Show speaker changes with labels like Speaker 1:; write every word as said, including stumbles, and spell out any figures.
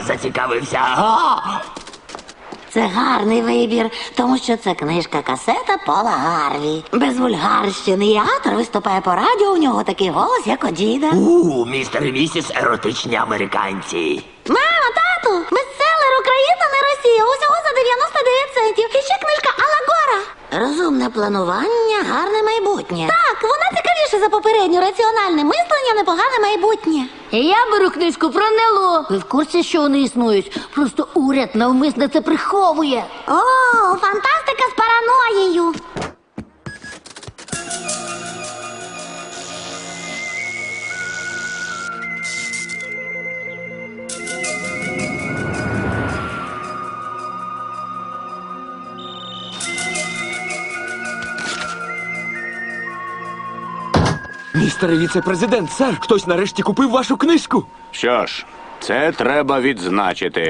Speaker 1: зацікавився. А!
Speaker 2: Це гарний вибір, тому що це книжка-касета Пола Гарві. Без вульгарщини, і автор виступає по радіо, у нього такий голос, як у діда.
Speaker 1: У, містер і місіс еротичні американці.
Speaker 2: Мама, тату, бестселер Україна, не Росія, усього за дев'яносто дев'ять центів. І ще книжка Алла Гора. Розумне планування, гарне майбутнє. Так, вона цікавіша за попередню. Раціональне мислення, непогане майбутнє.
Speaker 3: Я беру книжку про НЛО. Ви в курсі, що вони існують? Просто уряд навмисно це приховує.
Speaker 2: О, фантастика з параноєю.
Speaker 4: Містере віце-президент, сер, хтось нарешті купив вашу книжку.
Speaker 5: Що ж, це треба відзначити.